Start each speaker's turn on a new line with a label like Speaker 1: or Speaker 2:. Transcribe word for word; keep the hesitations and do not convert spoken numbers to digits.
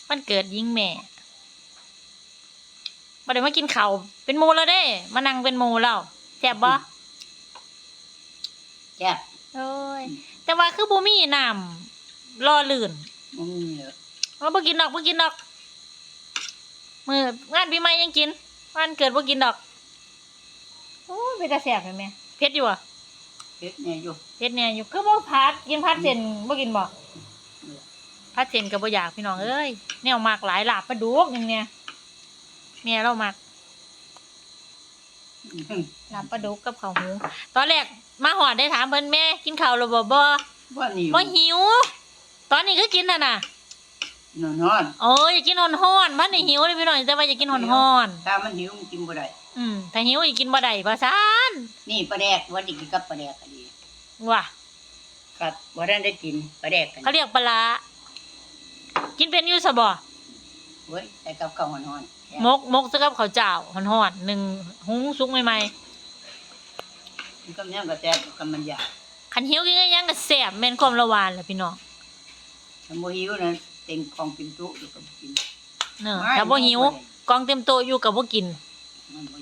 Speaker 1: วันเกิดยิงแม่บ่ได้มากินข้าวเป็นหมู่แล้วเด้มานั่งเป็นหมู่แล้วแซ่บบ่
Speaker 2: แซ่บ
Speaker 1: โอ้ยแต่ว่าคือบ่มีน้ำรอลื่น
Speaker 2: อืมเหรอ
Speaker 1: เราบ่กินดอกบ่กินดอกมื้องานปีใหม่ยังกินวันเกิดบ่กินดอกโอ้ยเป็นตาแซ่บแม่เผ็ดอยู่อ่ะ
Speaker 2: เฮ็ดเนี่ยอยู่
Speaker 1: เผ็ดแน่อยู่คือบ่ผัดกินผัดเส้นบ่กินบ่ผัดเส้นก็บ่อยากพี่น้องเอ้ยแนวมักหลายลาบปลาดุกนึงเนี่ยแม่เรามัก
Speaker 2: อืม
Speaker 1: ลาบปลาดุกกับข้าวหมูตอนแรกมาหอดได้ถามเพิ่นแม่กินข้าวแล้วบ่บ่
Speaker 2: ว่านี่
Speaker 1: บ่หิว ตอนนี้ก็กินน่ะน่ะ
Speaker 2: นอนนอน
Speaker 1: โอ้ยอยากกินฮ้อนๆมันนี่หิวเลยพี่น้องแต่ว่าอยากกินฮ้อน
Speaker 2: ถ้ามันหิวมันกินบ่ได้
Speaker 1: ๆอืมถ้าหิวอยากกินบ่ได้ว่าซั่น
Speaker 2: นี่ปลาแดกว่าดิกินกับปลาแดกก็ดี
Speaker 1: ว่ะ
Speaker 2: ครับบ่ได้ได้กินปลาแดกกัน
Speaker 1: เขาเรียกปลาร้ากินเป็นอยู่ซะบ่
Speaker 2: เว้ยใส่กับข้าวหอนๆแซ่บ
Speaker 1: มกมกซะกับข้าวเจ้าฮ้อนๆหนึ่งหุงสุกใหม่
Speaker 2: มันก็ยังก็แซ่บกับมันยาก
Speaker 1: ๆคันหิวกินก็ยังก็แซ่บแม่นความละหวานแหละพี่น้อง
Speaker 2: ถ้าบ่หิวนะเต็มของกินตุอยู่กับกิน
Speaker 1: เนาะถ้าบ่หิวกองเต็มโต๊ะอยู่ก็บ่กิน
Speaker 2: มันบ่